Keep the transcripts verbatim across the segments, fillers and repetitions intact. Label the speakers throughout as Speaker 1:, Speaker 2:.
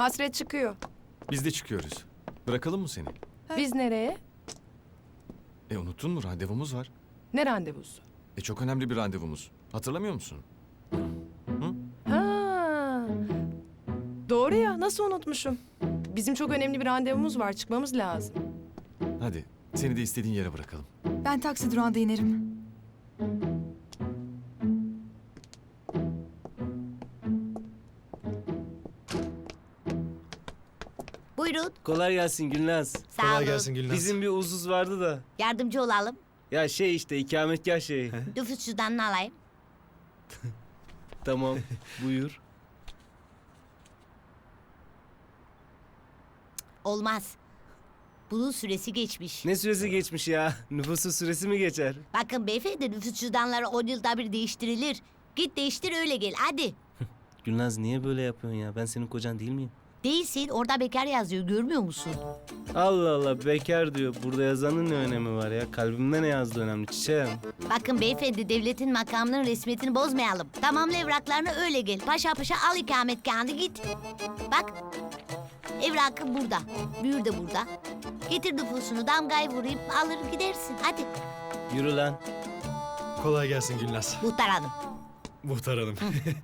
Speaker 1: Hasret çıkıyor.
Speaker 2: Biz de çıkıyoruz. Bırakalım mı seni?
Speaker 1: Biz nereye?
Speaker 2: E unuttun mu? Randevumuz var.
Speaker 1: Ne randevusu?
Speaker 2: E çok önemli bir randevumuz. Hatırlamıyor musun?
Speaker 1: Ha. Doğru ya, nasıl unutmuşum? Bizim çok önemli bir randevumuz var, çıkmamız lazım.
Speaker 2: Hadi seni de istediğin yere bırakalım.
Speaker 3: Ben taksi durağında inerim.
Speaker 4: Buyurun.
Speaker 5: Kolay gelsin Gülnaz.
Speaker 4: Sağ
Speaker 6: Kolay
Speaker 4: olun.
Speaker 6: gelsin Gülnaz.
Speaker 5: Bizim bir uzuz vardı da.
Speaker 4: Yardımcı olalım.
Speaker 5: Ya şey işte ikametgah şeyi.
Speaker 4: Nüfus cüzdanını alayım.
Speaker 5: Tamam buyur.
Speaker 4: Olmaz. Bunun süresi geçmiş.
Speaker 5: Ne süresi geçmiş ya? Nüfusun süresi mi geçer?
Speaker 4: Bakın beyefendi, nüfus cüzdanları on yılda bir değiştirilir. Git değiştir öyle gel hadi.
Speaker 5: Gülnaz niye böyle yapıyorsun ya? Ben senin kocan değil miyim?
Speaker 4: Değilsin, orada bekar yazıyor, görmüyor musun?
Speaker 5: Allah Allah bekar diyor. Burada yazanın ne önemi var ya? Kalbimde ne yazdığı önemli çiçeğim.
Speaker 4: Bakın beyefendi, devletin makamının resmiyetini bozmayalım. Tamamla evraklarını öyle gel. Paşa paşa al ikametgahını git. Bak, evrakın burada. Büyür de burada. Getir nüfusunu, damgayı vurayım, alır gidersin. Hadi.
Speaker 5: Yürü lan.
Speaker 6: Kolay gelsin Gülnaz.
Speaker 4: Muhtar hanım.
Speaker 6: Muhtar Hanım.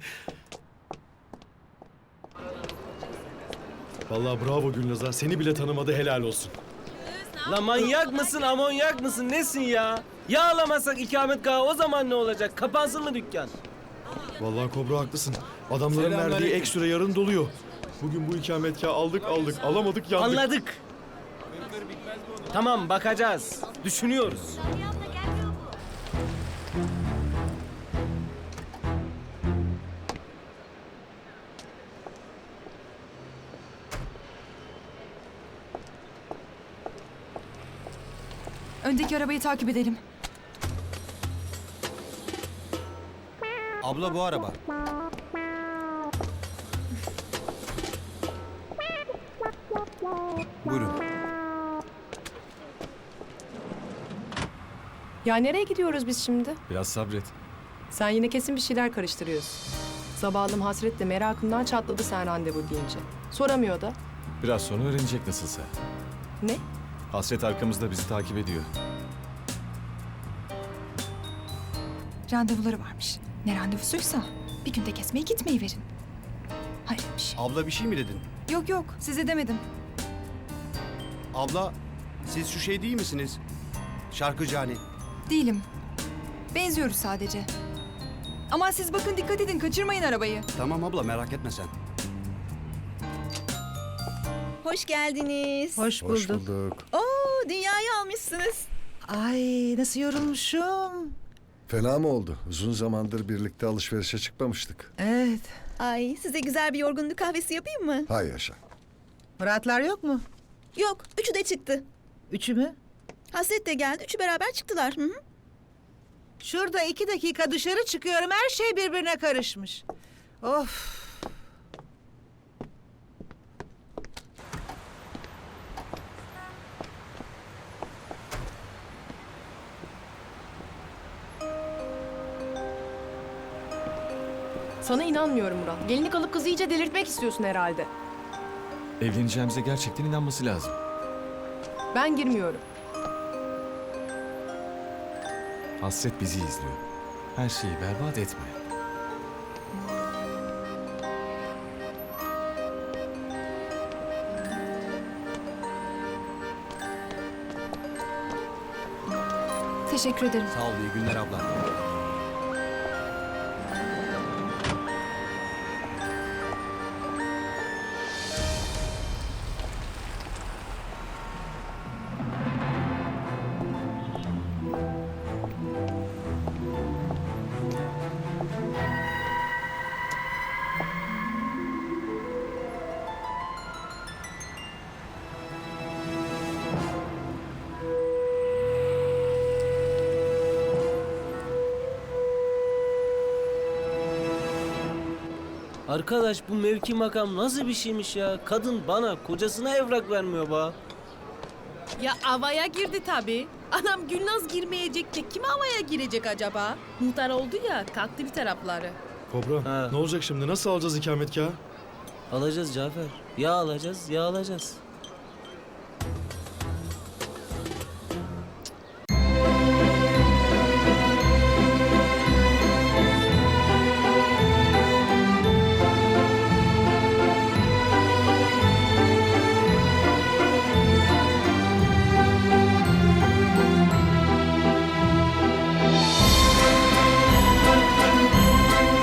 Speaker 6: Vallahi bravo Gülnaz'a. Seni bile tanımadı, helal olsun.
Speaker 5: La manyak mısın, amonyak mısın, nesin ya? Yağlamasak ikametgahı o zaman ne olacak? Kapansın mı dükkan?
Speaker 6: Vallahi Kobra haklısın. Adamların verdiği
Speaker 5: Selamünaleyküm.
Speaker 6: ek süre yarın doluyor. Bugün bu ikametgahı aldık aldık, alamadık yandık.
Speaker 5: Anladık. Tamam bakacağız. Düşünüyoruz.
Speaker 3: Öndeki arabayı takip edelim.
Speaker 7: Abla bu araba. Buyurun.
Speaker 1: Ya nereye gidiyoruz biz şimdi?
Speaker 2: Biraz sabret.
Speaker 1: Sen yine kesin bir şeyler karıştırıyorsun. Zavalım Hasret de merakından çatladı sen randevu deyince. Soramıyor da.
Speaker 2: Biraz sonra öğrenecek nasılsa.
Speaker 1: Ne?
Speaker 2: Hasret arkamızda bizi takip ediyor.
Speaker 3: Randevuları varmış. Ne randevusuysa bir günde kesmeye gitmeyi verin. Hayır bir şey.
Speaker 7: Abla bir şey mi dedin?
Speaker 3: Yok yok size demedim.
Speaker 7: Abla siz şu şey değil misiniz? Şarkıcı hani.
Speaker 3: Değilim. Benziyoruz sadece. Ama siz bakın dikkat edin kaçırmayın arabayı.
Speaker 7: Tamam abla merak etme sen.
Speaker 8: Hoş geldiniz.
Speaker 9: Hoş bulduk.
Speaker 6: Hoş bulduk.
Speaker 8: Oo, dünyayı almışsınız.
Speaker 9: Ay nasıl yorulmuşum.
Speaker 10: Fena mı oldu? Uzun zamandır birlikte alışverişe çıkmamıştık.
Speaker 9: Evet.
Speaker 8: Ay, size güzel bir yorgunluk kahvesi yapayım mı?
Speaker 10: Hay yaşa.
Speaker 9: Muratlar yok mu?
Speaker 8: Yok, üçü de çıktı.
Speaker 9: Üçü mü?
Speaker 8: Hasret de geldi, üçü beraber çıktılar. Hı hı.
Speaker 9: Şurada iki dakika dışarı çıkıyorum. Her şey birbirine karışmış. Of.
Speaker 1: Sana inanmıyorum Murat. Gelinlik alıp kızı iyice delirtmek istiyorsun herhalde.
Speaker 2: Evleneceğimize gerçekten inanması lazım.
Speaker 1: Ben girmiyorum.
Speaker 2: Hasret bizi izliyor. Her şeyi berbat etme.
Speaker 3: Teşekkür ederim.
Speaker 7: Sağ ol iyi günler abla.
Speaker 5: Arkadaş bu mevki makam nasıl bir şeymiş ya? Kadın bana, kocasına evrak vermiyor ba.
Speaker 11: Ya havaya girdi tabii. Anam Gülnaz girmeyecek de kim havaya girecek acaba? Muhtar oldu ya kalktı bir tarafları.
Speaker 6: Kobra
Speaker 5: Ha.
Speaker 6: ne olacak şimdi? Nasıl alacağız ikametgahı?
Speaker 5: Alacağız Cafer. Ya alacağız ya alacağız.